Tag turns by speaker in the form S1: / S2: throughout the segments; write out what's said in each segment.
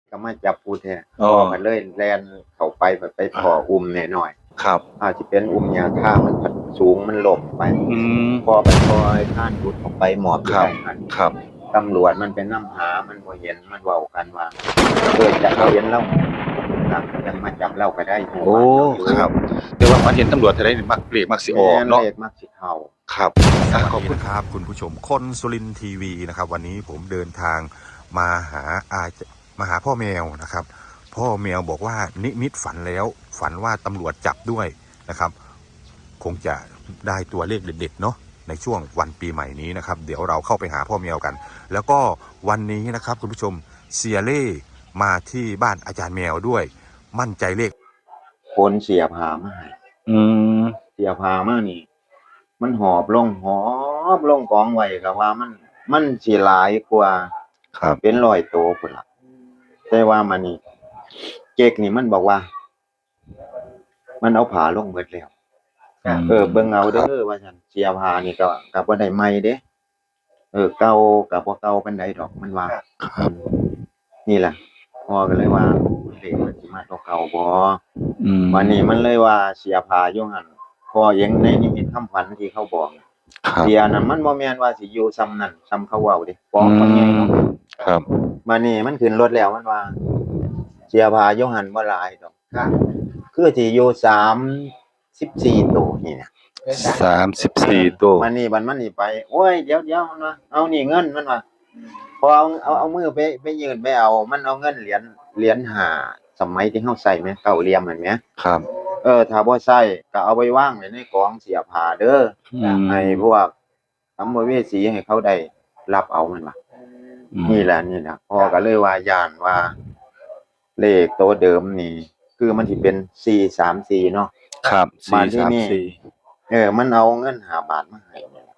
S1: ก็มาจับผู้แท้
S2: อ๋อ
S1: มันเลยแล่นเข้าไปไปพออุ้มแน่หน่อย
S2: ครับ
S1: อาจสิเป็นอุ้มหญ้าคามันสูงมันล่มไป
S2: อืม
S1: พอไปพอไอ้ข้านหลุดออกไปหมอบอยู่
S2: ครับ
S1: ได้หั่น
S2: ครับ
S1: ตำรวจมันไปนำหามันบ่เห็นมันเว้ากันว่าจะเห็นเราครับยังมาจับเราก็ได้อยู่
S2: โอ้
S1: บ้านเราอยู่
S2: ครับแต่ว่าฝันเห็นตำรวจเท่าใดนี่มักเลขมักสิออก
S1: แม่น
S2: เนาะ
S1: เลขมักสิเข้า
S2: ครับ
S3: ขอบคุณครับคุณผู้ชมคนสุรินทร์ทีวีนะครับวันนี้ผมเดินทางมาหามาหาพ่อแมวนะครับพ่อแมวบอกว่านิมิตฝันแล้วฝันว่าตำรวจจับด้วยนะครับคงจะได้ตัวเลขเด็ดๆเนาะในช่วงวันปีใหม่นี้นะครับเดี๋ยวเราเข้าไปหาพ่อแมวกันแล้วก็วันนี้นะครับคุณผู้ชมเสียเล่มาที่บ้านอาจารย์แมวด้วยมั่นใจเลข
S1: คนเสียผ้ามาให้
S2: อืม
S1: เสียผ้ามานี่มันหอบลงกองไว้ก็ว่ามันสิหลายกว่า
S2: ครับ
S1: เป็น100ตัวพุ่นล่ะแต่ว่ามันนี่เก๊กนี่มันบอกว่ามันเอาผ้าลงเบิดแล้วเบิ่งเอาเด้อว่าซั่นเสียผ้านี่ก็บ่ได้ใหม่เด้เก่าก็บ่เก่าปานใดดอกมันว่า
S2: ครับ
S1: นี่แหละพ่อก็เลยว่าเลขมันสิมาตัวเก่าบ่
S2: อืม
S1: วันนี้มันเลยว่าเสียผ้าอยู่หั่นพ่อยังในนิมิตคำฝันที่เขาบอก
S2: ครับ
S1: เสียนั่นมันบ่แม่นว่าสิอยู่ซ้ำนั่นซ้ำเขาเว้าเด้กองเขาใหญ่เนาะ
S2: ครับ
S1: บัดนี้มันขึ้นรถแล้วมันว่าเสียผ้าอยู่หั่นบ่หลายดอกคือสิอยู่34ตัวนี่นะ
S2: 34ตัว
S1: มันนี่ไปโอ้ยเดี๋ยวมันว่าเอานี่เงินมันว่าพอเอามือไปยื่นไปเอามันเอาเงินเหรียญ5สมัยที่เฮาใช้แม่เก้าเหลี่ยมนั่นแหม
S2: ครับ
S1: ถ้าบ่ใช้ก็เอาไว้วางไว้ในกองเสียผ้าเด้อให้พวกสัมภเวสีให้เขาได้รับเอามันว่านี่แหละพ่อก็เลยว่าย้านว่าเลขตัวเดิมนี่คือมันสิเป็น434เนาะ
S2: ครับ
S1: 434มันเอาเงิน5 บาทมาให้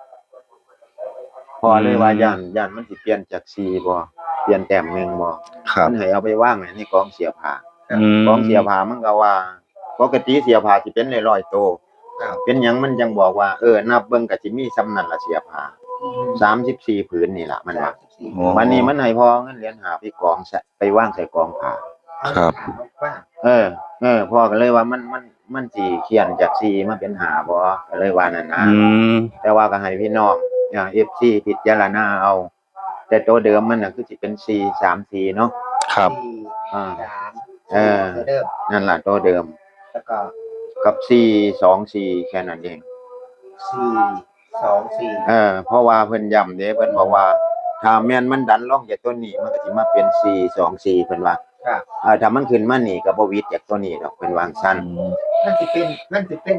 S1: พอเลยว่าย้านมันสิเปลี่ยนจาก4บ่เปลี่ยนแต้มหนึ่งบ่มันให้เอาไปวางไว้ในกองเสียผ้ากองเสียผ้ามันก็ว่าปกติเสียผ้าสิเป็น100ตัวเป็นหยังมันจังบอกว่านับเบิ่งก็สิมีส่ำนั้นล่ะเสียผ้า34ผืนนี่ล่ะมันว่าวันนี้มันให้พอเงินเหรียญ5ไปกองไปวางใส่กองผ้า
S2: ครับ
S1: พ่อก็เลยว่ามันสิเขียนจาก4มาเป็น5บ่ก็เลยว่านั่นนะแต่ว่าก็ให้พี่น้องFC พิจารณาเอาแต่ตัวเดิมมันน่ะคือสิเป็น434เนาะ
S2: ครับ
S1: เดิมนั่นล่ะตัวเดิมแล้วก็กับ424แค่นั้นเอง424เพราะว่าเพิ่นย้ำเด้เพิ่นบอกว่าถ้าแม่นมันดันลงจากตัวนี้มันก็สิมาเป็น424เพิ่นว่าถ้ามันขึ้นมานี่ก็บ่วิดจากตัวนี้ดอกเพิ่นวาจั่งซั่น
S4: มันสิเป็น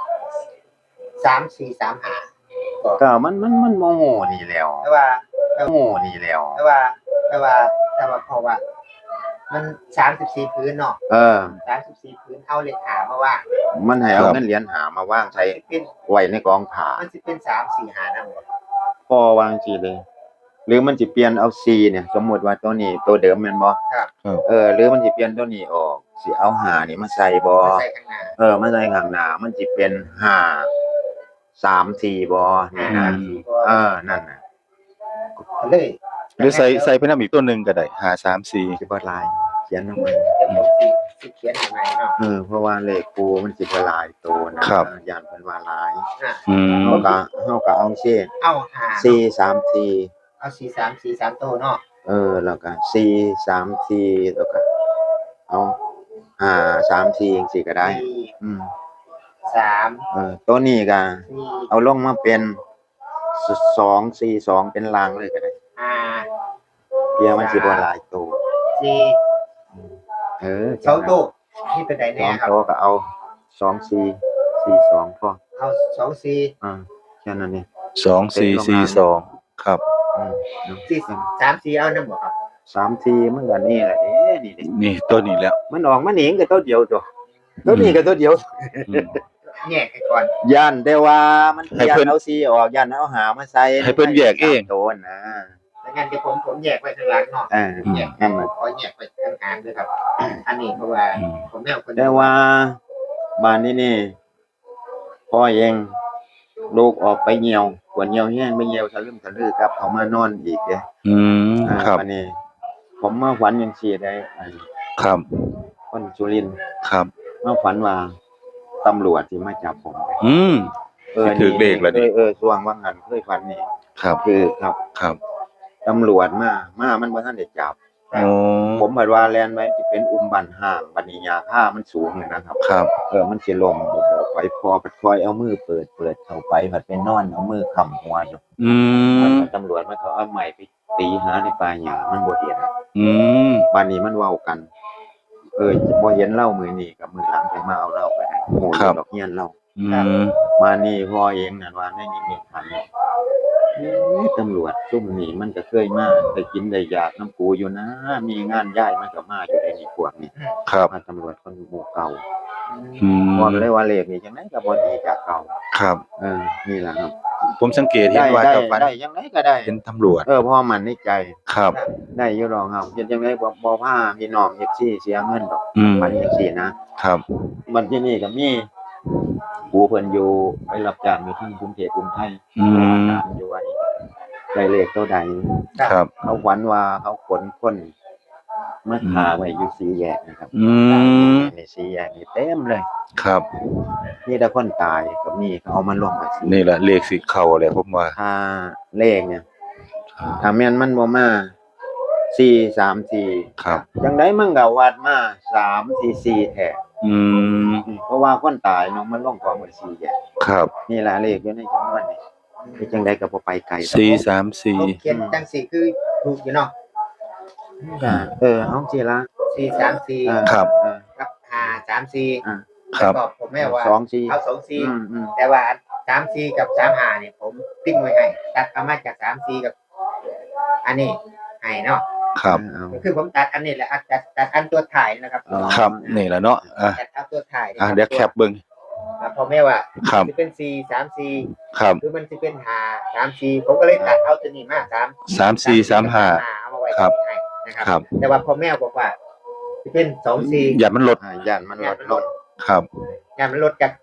S4: 3435
S1: ก็มันโมโหนี่แหล้ว
S4: แต่ว่า
S1: โง่นี่แหล้ว
S4: เพราะว่ามัน34พื้นเนาะ34พื้นเอาเลข5มาว่าง
S1: มันให้เอาเงินเหรียญ5มาวางใส่ไว้ในกองผ้า
S4: มันสิเป็น345นำบ่
S1: พอวางสิเลยหรือมันสิเปลี่ยนเอา4เนี่ยสมมุติว่าตัวนี้ตัวเดิมแม่นบ่
S4: ครับ
S1: หรือมันสิเปลี่ยนตัวนี้ออกสิเอา5นี่มาใส่บ่
S4: มาใส่ข้างหน้า
S1: มาใส่ข้างหน้ามันสิเป็น534บ่นี่นะนั่นน่ะ
S4: เลย
S2: หรือใส่ไปนำอีกตัวนึงก็ได้534
S1: สิบ่หลายเขียนลงไป
S4: สิเขียนให้ใหม่เนาะ
S1: เพราะว่าเลขกูมันสิบ่หลายตัวนะย่านเพิ่นว่าหลายเฮาก็เอาซิ
S4: เอา
S1: 434
S4: เอา434 3ตัวเนาะ
S1: แล้วก็434แล้วก็เอา534จังซี่ก็ได้
S4: 3
S1: ตัวนี้ก็เอาลงมาเป็น242เป็นรางเลยก็ได้เพียมันสิบ่หลายตัว
S4: 2ตัวนี่เป็นได้แน่ครับ
S1: 2ตัวก็เอา2442พอ
S4: เอา24
S1: แค่นั้นนี่
S2: 2442ครับ
S4: 34เอานำบ่ครับ
S1: 34มันก็นี่แหละ
S2: นี่ตัวนี้แล้ว
S1: มันออกมานี่ก็ตัวเดียวตัวนี้ก็ตัวเดียว
S4: แยกให้ก่อน
S1: ย่านแต่ว่ามันย่านเอา4ออกย่านเอา5มาใส่
S2: ให้เพิ่นแยกเอง
S1: ตัวนะ
S4: ดังนั้นเดี๋ยวผมแยกไว้ข้างหลังเนาะแยกให้มันขอแยกไว้ข้างกลางด้วยครับอันนี้เพราะว่าผมแนวคน
S1: แต่ว่าบ้านนี้นี่พ่อเองลูกออกไปเหี่ยวปวดเหี่ยวแห้งไปเหี่ยวทะลึ่มทะลือครับเขามานอนอีกเด้
S2: ครับ
S1: อันนี้พผมมาฝันจังซี่ได้
S2: ครับ
S1: คนสุรินทร์
S2: ครับ
S1: มาฝันว่าตำรวจสิมาจับผม
S2: อืม ถือเลขแล้วนี่
S1: ช่วงว่างั้นเคยฝันนี่
S2: ครับ
S1: คือครับ
S2: ครับ
S1: ตำรวจมามันบ่ทันได้จับ
S2: โอ้
S1: ผมคิดว่าแล่นไว้สิเป็นอุ้มบ้านห้างบัดนี้ยาค่ามันสูงเลยนะครับ
S2: ครับ
S1: มันสิล้มโอ้โหไปพอไปคอยเอามือเปิดเข้าไปผัดไปนอนเอามือค้ำหัวอยู่
S2: อืม
S1: ตำรวจมันเขาเอาไม้ไปตีหาในป่าหญ้ามันบ่เห็น
S2: อืม
S1: บัดนี้มันเว้ากัน บ่เห็นเล่ามื้อนี้กับมื้อหลังจะมาเอาเล่าไปให้โหอยู่ดอกเฮียนเล่า
S2: อืม
S1: มานี่พ่อเองนั่นว่าในนิมิตฝันตำรวจซุ่มนี่มันก็เคยมาได้กินได้อยากน้ำกูอยู่นะ มีงานย้ายมันก็มาอยู่ในนี่พวกนี้
S2: ครับ
S1: มาตำรวจคนหมู่เก่า
S2: อืม
S1: บอกเลยว่าเลขนี่จังไดก็บ่ดีจากเก่า
S2: ครับ
S1: นี่ล่ะครับ
S2: ผมสังเกตเห็นว่า
S1: ได้
S2: เจ้าฟัน
S1: ได้จังไดก็ได้
S2: เป็นตำรวจ
S1: เพราะมันในใจ
S2: ครับ
S1: ได้อยู่ดอกครับเฮ็ดจังไดบ่พาพี่น้อง FC เสียเงินดอก
S2: อืม
S1: มันจังซี่นะครับ มันที่นี่ก็มีผู้เพิ่นอยู่ไปรับจ้างอยู่ที่กรุงเทพกรุงไทย
S2: อืม
S1: ถามอยู่ว่าได้เลขเท่าใด
S2: ครับ
S1: เขาฝันว่าเขาขนคนมาฆ่าไว้อยู่สี่แยกนะครับ
S2: อืม
S1: ในสี่แยกนี่เต็มเลย
S2: ครับ
S1: นี่แต่คนตายกับนี่เขาเอามันลงมาสี่
S2: นี่แหละเลขสิเข้าแหละผมว่า
S1: ถ้าเลขเนี่ยถ้าแม่นมันบ่มา434
S2: ครับ
S1: จังไดมันก็วัดมา344แท้
S2: อืม
S1: เพราะว่าคนตายเนาะมันลงกองไว้สี่แยก
S2: ครับ
S1: นี่ล่ะเลขอยู่ในจำนวนนี่ที่จังไดก็บ่ไปไกล
S2: 434
S4: เขียนจังสี่คือถูกอยู่เนาะ
S1: ก็เอาสิละ
S4: 434
S2: ครับ
S4: กับ534
S2: ครับ
S4: แล้วก็ผมแม่ว่า
S1: 24
S4: เอา24แต่ว่า34กับ35นี่ผมติ้งไว้ให้ตัดเอามาจาก34กับ อันนี้ให้เนาะ
S2: ครับ
S4: ก็คือผมตัดอันนี้แหละตัดอันตัวถ่ายนะครับ
S2: ครับ นี่แหละเนาะ
S4: ตัดเอาตัวถ่าย
S2: เดี๋ยวแคปเบิ่ง
S4: พอแม่ว่า
S2: ครับ
S4: สิเป็น434
S2: ครับ
S4: หรือมันสิเป็น534ผมก็เลยตัดเอาตัวนี้มา
S2: 3435
S4: เอามาไว้
S2: ครับ
S4: ให้นะค
S2: ครั
S4: รับ แต่ว่าพอแม่บอกว่าสิเป็น24
S2: อย่ามันลด
S1: ย่านมันลด
S2: ครับ
S4: งานมันลดจาก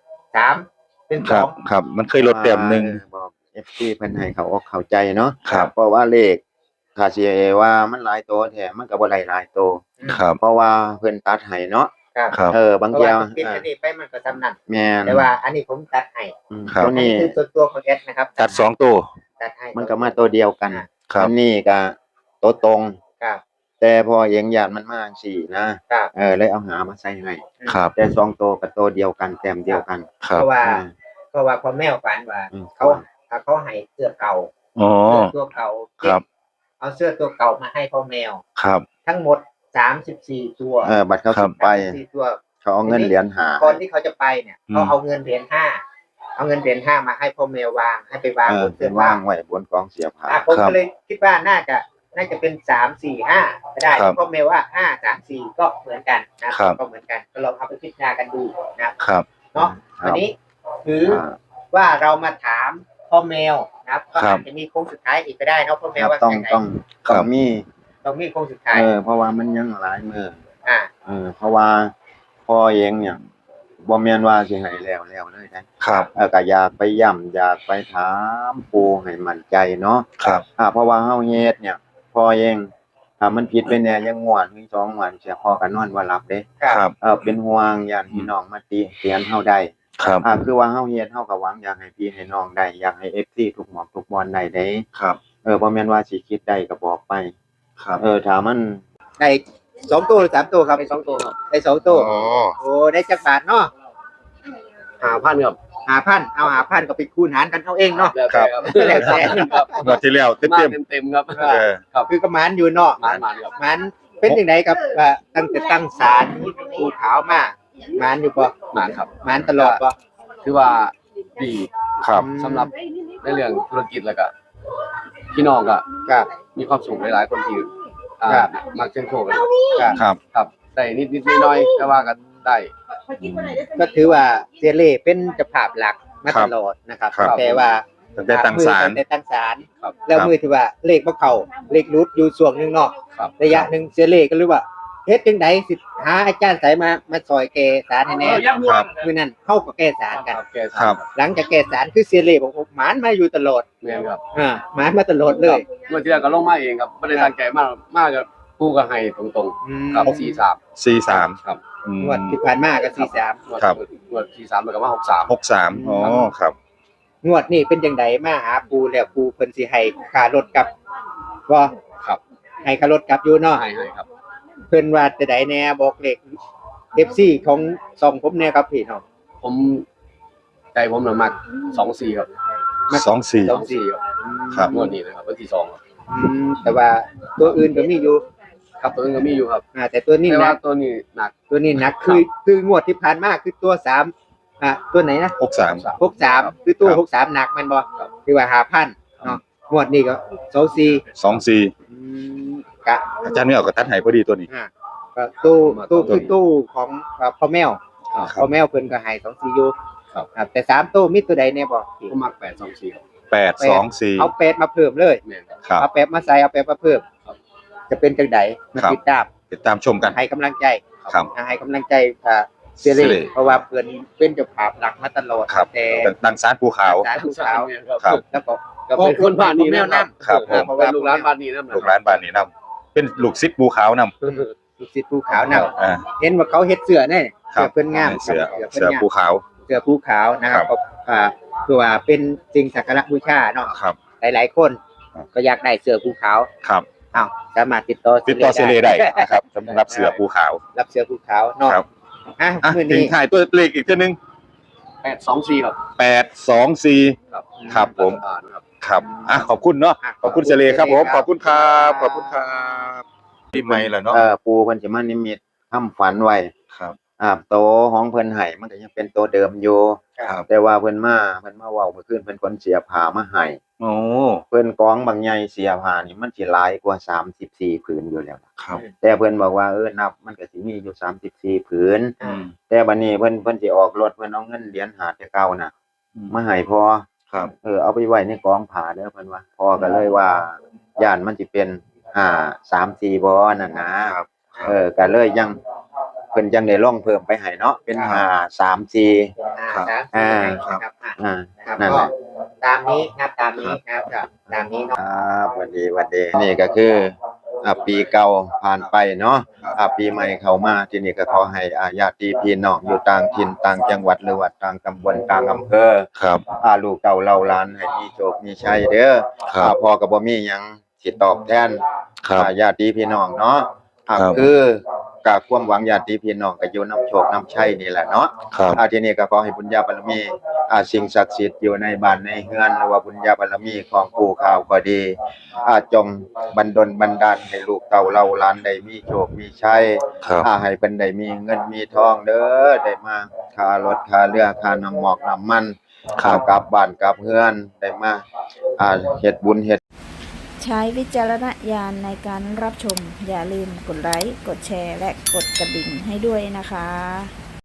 S4: 3เป็น
S2: ครับ
S4: 2
S2: ครับ มันเคยลดแต้มหนึง
S1: บอก FC เพิ่นให้เขาอกเข้าใจเนาะ
S2: ครับ
S1: เพราะว่าเลขถ้าสิว่ามันหลายตัวแท้มันก็บ่ได้หลายตัว
S2: ครับ
S1: เพราะว่าเพิ่นตัดให้เนาะ
S4: ครับ
S2: ครับ
S1: บาง
S4: เพราะ
S1: เที่ย
S4: ว่าว ปิดอันนี้ไปมันก็ซ้ำนั่น
S1: แม่น
S4: แต่ว่าอันนี้ผมตัดให้
S2: ครับ
S1: ตัว
S4: อันนี้
S1: นี้
S4: คือตัวของเอสนะครับ
S2: ตัด2ตัว
S4: ตัดให้
S1: มันก็มาตัวเดียวกัน
S2: ครับ
S1: อันนี้ก็ตัวตรง
S4: ครับ
S1: แต่พอเองญาติมันมาจังซี่นะครับ เลยเอาหามาใส่ให้
S2: ครับ
S1: แต่สองตัวกับตัวเดียวกันแต้มเดียวกัน
S2: ค
S4: เพ
S2: รับ
S4: ราะว่า
S1: อืม
S4: เพราะว่าพอแม่ฝันว่า
S1: อืม
S4: เขาให้เสื้อเก่า
S2: อ๋อ
S4: เสื้อตัวเก่า
S2: ครับ
S4: เอาเสื้อตัวเก่ามาให้พ่อแมว
S2: ครับ
S4: ทั้งหมด34ตัว
S1: บัตรเขาสิไป
S4: 34ตัว
S1: เขาเอาเงินเหรียญหา
S4: ก่อนที่เขาจะไปเนี่ย
S2: อืม
S4: เขาเอาเงินเหรียญ5เอาเงินเหรียญ5มาให้พ่อแมววางให้ไปวางบน
S1: เป็
S4: เสื้
S1: น
S4: อ
S1: ว่าง
S4: ผ้า
S1: ไว้บนกองเสียผ้า
S4: ผม
S2: ครับ
S4: ก็เลยคิดว่าน่าจะเป็น3-4-5ก็ได้
S2: ครับ
S4: เพราะแม้ว่า5-3-4ก็เหมือนกันนะครับ ก็เหมือนกันก็ลองเอาไปพิจารณากันดูนะครับ เนาะ
S1: ครับ
S4: วันนี้ถือว่าเรามาถามพ่อแมวนะครับก็
S2: ครั
S4: อา
S2: บ
S4: จจะมีโค้งสุดท้ายอีกก็ได้เนาะพ่อแมวว่า
S1: ต้อง
S4: ยังไง
S1: ต้องมี
S4: ต้องมีโค้งสุดท้าย
S1: เพราะว่ามันยังหลายมือ
S4: อ่า
S1: เพราะว่าพ่อเองเนี่ยบ่แม่นว่าสิให้แล้วเลยนะครับ ก็อยากไปย้ำอยากไปถามปู่ให้มั่นใจเนาะ
S2: ครับ
S1: เพราะว่าเฮาเฮ็ดเนี่ยพ่อเองถ้ามันผิดไปแน่ยังงวดมี2งวดเสียพ่อก็นอนบ่หลับเด้
S2: ครับ
S1: เป็นห่วงญาติพี่น้องมาติเตียนเฮาได้
S2: ครับ
S1: คือว่าเฮาเฮ็ดเฮาก็หวังอยากให้พี่ให้น้องได้อยากให้ FC ทุกหม่องทุกบอนได้เด้
S2: ครับ
S1: บ่แม่นว่าสิคิดได้ก็บอกไป
S2: ครับ
S1: ถ้ามัน
S4: ได้2ตัวหรือ3ตัวครับได้2ตัวครับได้2ตัว
S2: อ๋อ
S4: โอ้ได้จักบาทเนาะ
S5: 5,000ครับ
S4: 5,000เอา5,000ก็ไปคูณหารกันเอาเองเนาะ
S5: แล้วแต่ครับ
S4: แล้วแต่
S5: ครับ
S2: งวดที่แล้ว
S5: มา
S2: เต็ม
S5: เต็มๆครับ
S2: ๆเออ
S4: คือก็หมานอยู่เนาะ
S5: หมานครับ
S4: มันเป็นยังไงครับว่าตั้งแต่ตั้งศาลภูขาวมามันอยู่ปะ
S5: หมานครับ
S4: มันตลอดปะ
S5: ถือว่าดี
S2: ครับ
S5: สำหรับในเรื่องธุรกิจแล้วก็พี่น้องก็
S4: ครับ
S5: มีความสุขหลายๆคนที่
S4: ครับ
S5: มักเชิญโชคกัน
S2: ครับ
S5: ครับได้นิดๆน้อยๆแต่ว่าก็ได้
S4: ก็ถือว่าเซเล่เป็นเจ้าภาพหลักมาตลอดนะครับ
S2: ครับ
S4: แต่ว่า
S2: ตั้งแต่ตั้งศาล
S4: ตั้งแต่ตั้งศาล
S5: ครับ
S4: แล้วมือที่ว่าเลขบ่เข้าเลขรุดอยู่ช่วงหนึงเนาะ
S5: ครับ
S4: ระยะหนึงเซเล่ก็รู้ว่าเฮ็ดจังไดสิหาอาจารย์ไสมาซอยแก้ศาลให้แน่
S2: ครับ
S4: มื้อนั้นเข้าก็แก้ศาลกัน
S5: ครับแก
S2: ครับ
S4: หลังจากแก้ศาลคือเซเล่บอกว่าหมานมาอยู่ตลอด
S5: แม่นครับ
S4: หมานมาตลอดเลย
S5: เมื่อที่แล้วก็ลงมาเองครับไม่ได้ตั้งใจมากกับผู้ก็ให้ตรงๆกับ43 ครับ
S4: งวดที่ผ่านมาก็43
S2: ครับ
S5: งวด43แล้วก็มา63
S2: 63อ๋อครับ
S4: งวดนี้เป็นจังไดมาหาปูแล้วปูเพิ่นสิให้ค่ารถกลับบ่
S5: ครับ
S4: ให้ค่ารถกลับอยู่เนาะ
S5: ให้ครับ
S4: เพิ่นว่าจะได้แน่บอกเลข FC ของช่องผมแน่ครับพี่น้อง
S5: ผมใจผมน่ะมัก24ครับ
S2: 24
S5: 24ครับ
S2: ครับ
S5: งวดนี้นะครับวันที่2ครับ
S4: แต่ว่าตัวอื่นก็มีอยู่
S5: ครับตัวนึงก็มีอยู่ครับ
S4: แต่ตัวนี้
S5: แต่
S4: หนั
S5: ว่าก ตัวนี้หนัก
S4: ตัวนี้หนักคืองวดที่ผ่านมาคือตัว3ตัวไหนนะ
S2: 63
S4: 63คือตัว
S2: ครับ
S4: 63หนักแม่นบ่คือว่า 5,000 เนาะงวดนี้ก็24
S2: 24
S4: กะ
S2: อาจารย์ไม่เอากับตัดให้พอดีตัวนี้
S4: ก็ตู้คือตู้ของพ่อแมว
S5: ครับ
S4: พ่อแมวเพิ่นก็ให้24อยู่
S5: ครับ
S4: แต่3ตู้มีตัวใดแน่บ่
S5: ผมมัก824ครับ
S2: 824
S4: เอา8มาเพิ่มเลย
S5: แม่นครับ
S2: ครับ
S4: เอา8มาใส่เอา8มาเพิ่ม
S5: ครับ
S4: จะเป็นจังไดมา
S2: ครับ
S4: ติดตาม
S2: ติดตามชมกัน
S4: ให้กำลังใจ
S2: ครับ
S4: ให้กำลังใจเซเล
S2: เซเล
S4: เพราะว่าเพิ่นเป็นเจ้าภาพหลักมาตลอด
S2: ครับ
S4: แต่
S2: ดังสารภูเขา
S4: สารภูเขา
S2: ครับ
S4: แล้วก็
S5: ก็เป็นคนบ้านนี้นะครับ
S2: ครับผม
S5: เพราะว่าลูกหลานบ้านนี้นะ
S2: ลูกหลานบ้านนี้นํเป็นลูกศิษย์ภูเขานํ
S4: ลูกศิษย์ภูขาวนำ
S2: อ่า
S4: เห็นว่าเขาเฮ็ดเสื้อแน่
S2: ครั
S4: เสื้
S2: บ
S4: อเพิ่นงาม
S2: เสือ
S4: ครับ
S2: เสือภูเขา
S4: เสื้อภูขาวนะครับ
S2: ครับ
S4: คือว่าเป็นสิ่งสักการะบูชาเนาะ
S2: ครับ
S4: หลายๆคน ก็อยากได้เสื้อภูขาว
S2: ครับ
S4: อ้าวสามารถติดต่อ
S2: ติดต่อเซเลได้นะครับสำหรับเสือภูเขา
S4: รับเสื้อภูขาวเนาะ
S2: ครับ
S4: อ่ะ
S2: อ่ะ
S4: มื้อ
S2: ถึง
S4: นี้
S2: ถ่ายตัวเลขอีกตัวหนึง
S5: 824ครับ
S2: 824
S5: ครับ
S2: ครับผม
S5: ครับ
S2: ครับอ่ะขอบคุณเนาะขอบคุณเซเลครับผมขอบคุณครับขอบคุณครับปีใหม่แล้วเนาะ
S1: ปูเพิ่นสิมานิมิตทำฝันไว้
S2: ครับ
S1: โตของเพิ่นให้มันก็ยังเป็นโตเดิมอยู่
S2: ครับ
S1: แต่ว่าเพิ่นมาเว้าเมื่อคืนเพิ่นคนเสียผ้ามาให้
S2: โอ้
S1: เพิ่นกองบางใหญ่เสียผ้านี่มันสิหลายกว่า34ผืนอยู่แล้ว
S2: ครับ
S1: แต่เพิ่นบอกว่านับมันก็สิมีอยู่34ผืน
S2: อืม
S1: แต่บัดนี้เพิ่นสิออกรถเพิ่นเอาเงินเหรียญ5แต่เก่าน่ะมาให้พอ
S2: ครับ
S1: เอาไปไว้ในกองผ้าเด้อเพิ่นว่าพอก็เลยว่าย่านมันสิเป็น3-4บ่นั่นนะครับ ก็เลยยังเพิ่นจังได้ลองเพิ่มไปให้เนาะเป็น5-3-4
S2: ครับ
S4: ครับ
S1: นะครับ
S4: นั่น
S1: นั่นแห
S4: ก็
S1: ละ
S4: ตามนี้ครับตามนี้ครับตามนี้เนาะ
S1: ครับสวัสดีนี่ก็คือปีเก่าผ่านไปเนาะปีใหม่เข้ามาที่นี่ก็ขอให้ญาติพี่น้องอยู่ต่างถิ่นต่างจังหวัดหรือว่าต่างตำบลต่างอำเภอ
S2: ครับ
S1: ลูกเต่าเล่าหลานให้มีโชคมีชัยเด้อ
S2: ครับ
S1: พ่อก็บ่มีหยังสิตอบแทน
S2: ครับ
S1: ญาติพี่น้องเนาะ
S2: ครับ
S1: คือกับความหวังญาติพี่น้องก็อยู่นำโชคนำชัยนี่แหละเนาะ
S2: ครับ
S1: ทีนี้ก็ขอให้บุญญาบารมีสิ่งศักดิ์สิทธิ์อยู่ในบ้านในเฮือนหรือว่าบุญญาบารมีของปู่ข่าวก็ดีจงบันดลบันดาลให้ลูกเต่าเล่าหลานได้มีโชคมีชัย
S2: ครับ
S1: ให้เพิ่นได้มีเงินมีทองเด้อได้มาค่ารถค่าเรือค่าน้ำหมอกน้ำมันกลับบ้านกลับเฮือนได้มาเฮ็ดบุญเฮ็ด
S6: ใช้วิจารณญาณในการรับชม อย่าลืมกดไลค์ กดแชร์ และกดกระดิ่งให้ด้วยนะคะ